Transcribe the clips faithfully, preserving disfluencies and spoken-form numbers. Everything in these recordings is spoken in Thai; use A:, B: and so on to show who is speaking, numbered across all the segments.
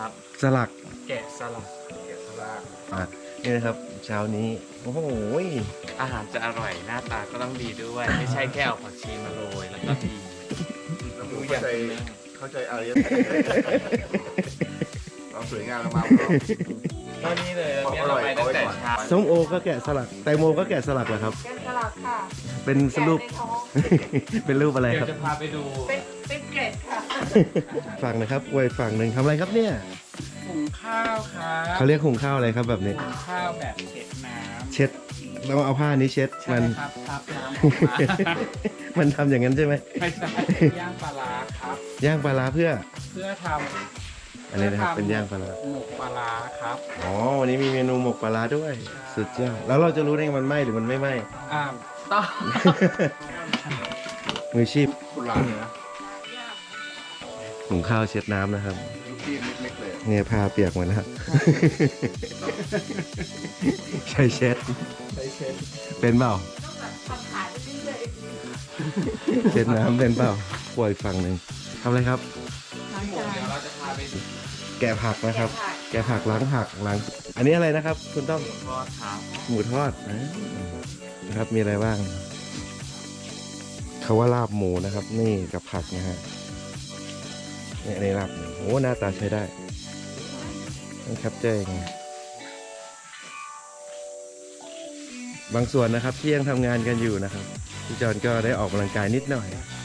A: ครับ
B: สลัก
A: แกะสลักแกะสลัก
B: อ่ะนี่นะครับเช้านี้โอ้โห
A: อาหารจะอร่อยหน้าตาก็ต้องดีด้วย ไม่ใช่แค่เอาผักชีมาโรยแล้วก็ดี
C: แล้วมึงเข้าใจเข้าใจอะไรเราสวยงามเรามา
A: ก็นี่เลยเนี่ยเราไปตั้งแต่เช้า
B: ส้มโอก็แกะสลักแตงโมก็แกะสลักเหรอครับ
D: แกะสลักค่ะ
B: เป็นรูป เป็นรูปอะไร
A: เดี๋ย
B: ครับ
A: วจะพาไปดู
D: เป็นเป็นเกล็ดค่ะ
B: ฝั่งนะครับอวยฝั่งหนึ่งทำอะไรครับเนี่ย
A: หุงข้าวครับ
B: เขาเรียกหุงข้าวอะไรครับแบบนี้
A: หุงข้าวแบบเช็ดน้ำ
B: เช็ดเราเอาผ้านี้เช็ดมัน
A: ครับครับน้ำ
B: มันทำอย่างนั้นใช่ไหม
A: ไม่ใช่ย่างปลาร้าครับ
B: ย่างปลาร้าเพื่อ
A: เพื่อทำ
B: อันนี้นะครับเป็นย่างปลาร้า
A: หมกปลาร้าครับ
B: อ๋อวันนี้มีเมนูหมกปลาร้าด้วยสุดยอดแล้วเราจะรู้ได้ไงมันไหม้หรือมันไม่ไหม้
A: อ่าต้อง
B: มือชีพ
C: โบราณเลยนะ
B: หุงข้าวเช็ดน้ำนะครับ
C: ลูกพี่เล็กๆเลย
B: เนี่ยผ้าเปียกหมดแล้ว ใช่เช็ด
A: ใช้เช็ด
B: เป็นเปล่า
D: ทำขายไปเรื่อย
B: เช็ดน้ำเป็นเปล่าป่วยฝั่งหนึ่งทำอะไรครับ
D: ๆล้าง
A: เดี๋
D: จาน
A: ยวเราจะพาไปดู
B: แกะผักนะครับ แกะผักล้างผักล้างอันนี้อะไรนะครับ คุณต้อง
A: ทอดครับ
B: หมูทอดนะนะครับมีอะไรบ้างเขาว่าลาบหมูนะครับ นี่กับผักนะฮะเนี่ยในลาบหมูโอ้หน้าตาใช้ได้ต้องแคปเจอร์ยังไงบางส่วนนะครับที่ยังทำงานกันอยู่นะครับพี่จอนก็ได้ออกกำลังกายนิดหน่อย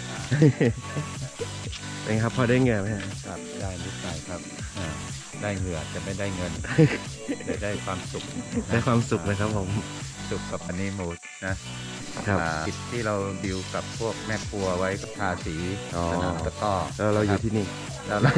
B: เป็นครับพอได้เงินไหมฮะ
E: ครับได้นิดหน่อยครับอ่าได้เหงื่อจะไม่ได้เงิน จะได้ความสุข
B: ได้ความสุขนะครับผม
E: สุขกับอันนี้หมูนะครับ อ่ากิจที่เราดิวกับพวกแม่ครัวไว้ก็ทาสี
B: อ๋อ
E: สนามตะกร้อ
B: แล้วเราอยู่ที่นี่
E: แล้วเรา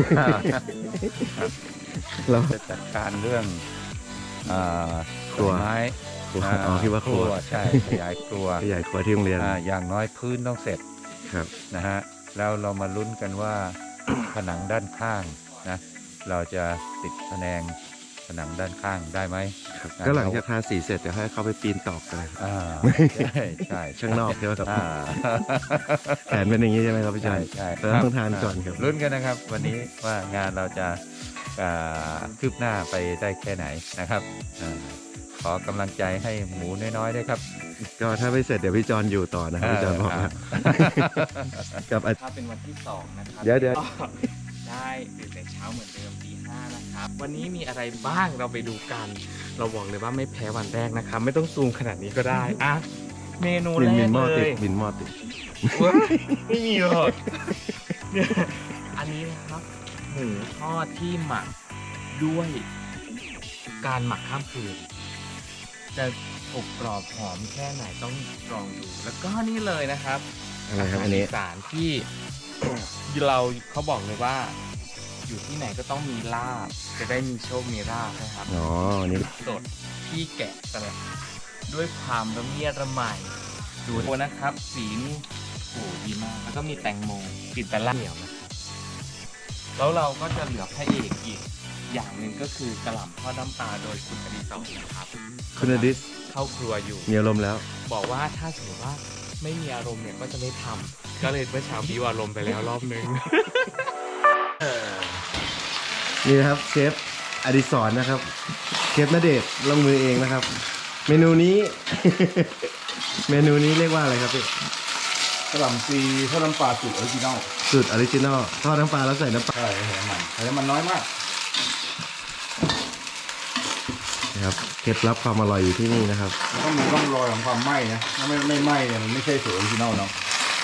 B: เรา
E: จะจัดการเรื่องอ่า
B: ครัว
E: ต้นไม้
B: ครัวอ๋อคิดว่าครัว
E: ใช่ขยายครัว
B: ขยายครัวที่โรงเรียน
E: อ่าอย่างน้อยพื้นต้องเสร็จ
B: ครับ
E: นะฮะแล้วเรามาลุ้นกันว่า ผนังด้านข้างนะเราจะติดผนังผนังด้านข้างได้ไหม
B: ครับ
E: นะ
B: ก็หลังจากทาสีเสร็จเดี๋ยวให้เขาไปปีนตอกกันเลยครับ
E: อ่าใช่ใช่
B: ข้างนอกใช่ไหมครับ
E: อ่า
B: แผนเป็นอย่างนี้ใช่ไหมครับพี่จอ
E: ใช่
B: ย
E: ใช่
B: เราต้องทานก่อนครับ
E: ลุ้นกันนะครับ วันนี้ว่างานเราจะอ่าคืบหน้าไปได้แค่ไหนนะครับอาขอกำลังใจให้หมูน้อยๆด้วยครับ
B: ก็ถ้าไม่เสร็จเดี๋ยวพี่จอนอยู่ต่อนะครับพี่จอนบอกนะกับอา
A: ถ้าเป็นวันที่สองนะครับ
B: เดี๋ยวเดี๋ยว
A: ก็ได้ตื่นแต่เช้าเหมือนเดิมตีห้านะครับ วันนี้มีอะไรบ้างเราไปดูกัน เราบอกเลยว่าไม่แพ้วันแรกนะครับ ไม่ต้องซูมขนาดนี้ก็ได้อ่ะเมนู
B: บิ
A: แร
B: นบิ
A: ก
B: นหม้อ
A: เล
B: ติด
A: ย
B: บินหม้อติด
A: ว้ายไม่มีหรอกเนี่ยอันนี้นะครับหมูทอดที่หมักด้วยการหมักข้ามคืน จะอบกรอบหอมแค่ไหนต้องลองดู แล้วก็นี่เลยนะครับ
B: อะไรครับอันนี้
A: าหารอีสารที่ เราเขาบอกเลยว่า อยู่ที่ไหนก็ต้องมีลาบ จะได้มีโชคมีลาบนะครับ
B: อ๋ออันนี่
A: สดที่แกะสลักด้วยความละเมียดละไมดูนะครับ สีนี่โอ้ดีมาก แล้วก็มีแตงโมกลิ่นตะล่าเหนียวนะครับแล้วเราก็จะเหลือพระเอกอีกอย่างหนึ่งก็คือกระหล่ำทอดน้ำปลาโดยคุณอดิศรนะครับ
B: คุณอดิส
A: เข้าครัวอยู่
B: มีอารมณ์แล้ว
A: บอกว่าถ้าสมมติว่าไม่มีอารมณ์เนี่ยก็จะไม่ทำก็เลยเมื่อเช้าบิวอารมณ์ไปแล้วรอบนึง
B: นี่นะครับเชฟอดิศรนะครับเชฟณเดชน์ลงมือเองนะครับ เมนูนี้ เมนูนี้เรียกว่าอะไรครับพี่
C: กระหล่ำปีทอดน้ำปลาสูตรออริจินอล
B: สูตรออริจินอลทอดน้ำปลาแล้วใส่น้ำปลา
C: ใช่ใส่น้ำมันใส่น้ำมันน้อยมาก
B: นะครับเคล็ดลับความอร่อยอยู่ที่นี่นะครับ
C: มันต้องมีร่องรอยของความไหม้นะถ้าไม่ไม่ไหม้เนี่ยมันไม่ใช่สูตรออริจินอลเนาะ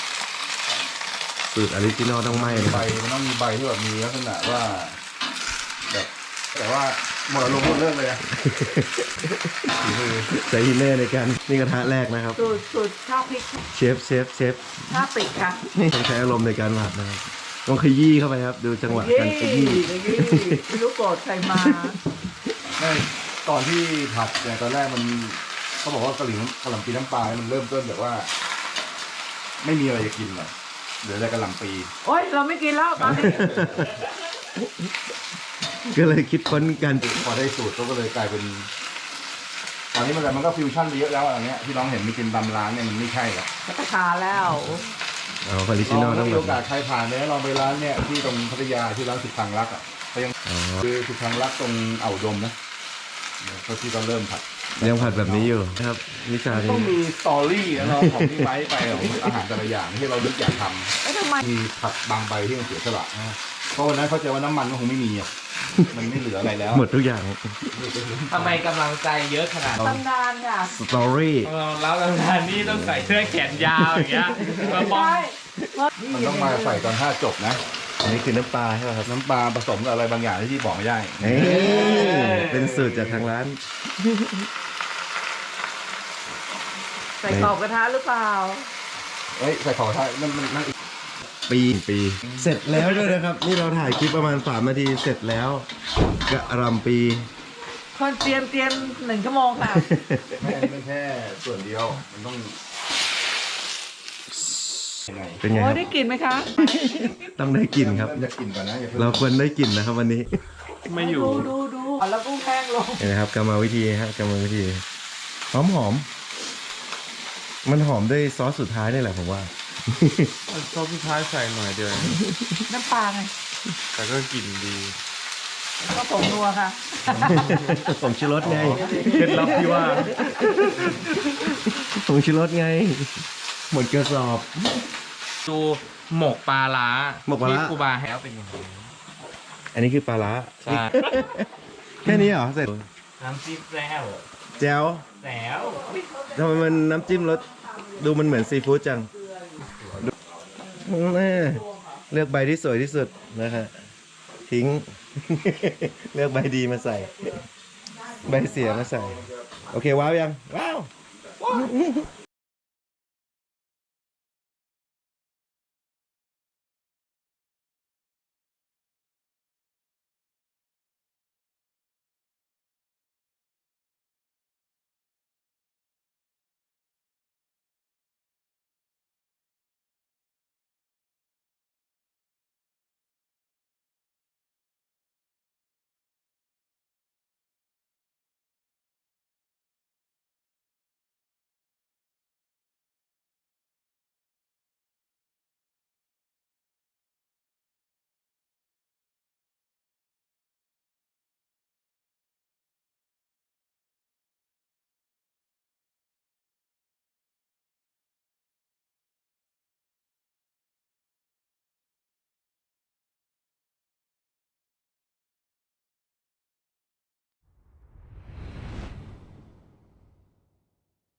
B: สูตรออริจินอลต้องไหม้นะค
C: ใบ
B: รับ
C: มันต้องมีใบที่แบบมีลักษณะว่าแบบแต่ว่าหมดอารมณ์หมดเรื่องเลยอะฝีมือ
B: ใส่ฮินเน่ในการนี่กระทะแรกนะครับ
D: สูตรสูตรข้าวพริก
B: เชฟเชฟเชฟ
D: ข้าวปิดค่ะ
B: ต้องใช้อารมณ์ในการผัดนะครับต้องขยี้เข้าไปครับ ดูจังหวะการขยี้
D: ไม่รู้โกรธใครมา
C: ไม่ตอนที่ผัดเนี่ยตอนแรกมันเขาบอกว่ากะหรี่กะหล่ำปีน้ำปลาเนี่ยมันเริ่มต้นแบบว่า ไม่มีอะไรจะกินเลยเหลือแต่กะหล่ำปี
D: โอ๊ยเราไม่กินแล้วตอนนี้
B: ก็เลยคิดค้นการ
C: พอได้สูตรก็เลยกลายเป็น ตอนนี้มันแต่มันก็ฟิวชั่นไปเยอะแล้วอะไรเงี้ยที่น้องเห็นมีกินตามร้านเนี่ยมันไม่ใช่หรอก
D: จะกระทาแล้ว
B: ออ๋อออริ
C: ล
B: จินอ
C: อ
B: ล
C: ง
B: ต้อง
C: มี
B: แบ
C: โอบ กาสใครผ่านเนี่ยลองไปร้านเนี่ยที่ตรงพัทยาที่ร้านสุดทางรักอ่ะเขายัง
B: อ๋อ
C: คือสุดทางรักตรงอ่าวดมนะเขาที่เขาเริ่มผัด
B: ยังผัดแบบนี้อยู่นะครับวิชานี้
C: ต้องมีสตอรี่นะเราของที่ไว้ไปของอาหารแต่ละอย่างที่เราลึกอยากท
D: แล้วทำไม
C: ำมีผัดบางใบที่มันเสียสละนะเพราะวันนั้นเข้าใจว่าน้ำมันมันคงไม่มีอ่ะมันไม่เหลืออะไรแล้ว
B: หมดทุกอย่าง
A: ทำไมกำลังใจเยอะขนาดนั้น
D: ตำนานค่ะ
B: สตอรี่
A: เราแล้วตำนานนี่ต้องใส่เสื้อแขนยาวอย่างเงี้ยมาป้อง
D: ใช่
C: มันต้องมาใส่ตอนท่าจบนะ
B: อันนี้คือน้ำปลาใช่ไหมครับ
C: น้ำปลาผสมกับอะไรบางอย่างที่บอกไม่ได้
B: เอ้ยเป็นสูตรจากทางร้าน
D: ใส่กรอบกระทะหรือเปล่า
C: เอ้ยใส่ขอท่านั่นมันนั่นอีก
B: ปีปี เสร็จแล้วด้วยนะครับ นี่เราถ่ายคลิปประมาณสามนาทีเสร็จแล้วกระหลำปี
D: คนเตรียมเตรียมหนึ่งชั่วโมงค่ะ
C: ไม่อันนี้เป็นแค่ส่วนเดียวมันต้องยังไง
B: เป็นไงค
D: โอ้
B: รับ
D: ได้กลิ่นไหมคะ
B: ต้องได้กลิ่นครับ
C: จะกินก่อนนะอย่าเพิ่ง
B: เราควรได้กลิ่นนะครับวันนี้
A: ไม่อยู่
D: ดูดูดูแล้วกุ้งแห้งลง
B: เห็นไหมครับกรรมวิธีฮะกรรมวิธีหอมหอมมันหอมด้วยซอสสุดท้ายนี่แหละผมว่า
A: ซอสสุดท้ายใส่หน่อยเดียว
D: น้ำปลาไง
A: แต่ก็กลิ่นดี
D: ก็ผงนัวค่ะ
B: ผมชูรสไง
A: เคล็ดลับที่ว่า
B: ผมชูรสไง หมดกระสอบ
A: ดูหมกปลาล้า
B: หมกปลาร้า
A: ที่ครูบาให้แล้วเป็นยังไง
B: อันนี้คือปลาร้า
A: ใช่
B: แค่นี้เหรอเสร็จ
A: น้ำจิ้มแซ่บ
B: แจ๋ว
A: แซ่บ
B: ทำไมมันน้ำจิ้มรสดูมันเหมือนซีฟู้ดจังแม่เลือกใบที่สวยที่สุดนะฮะทิ้ง เลือกใบดีมาใส่ ใบเสียมาใส่ โอเคว้าวยัง ว้าว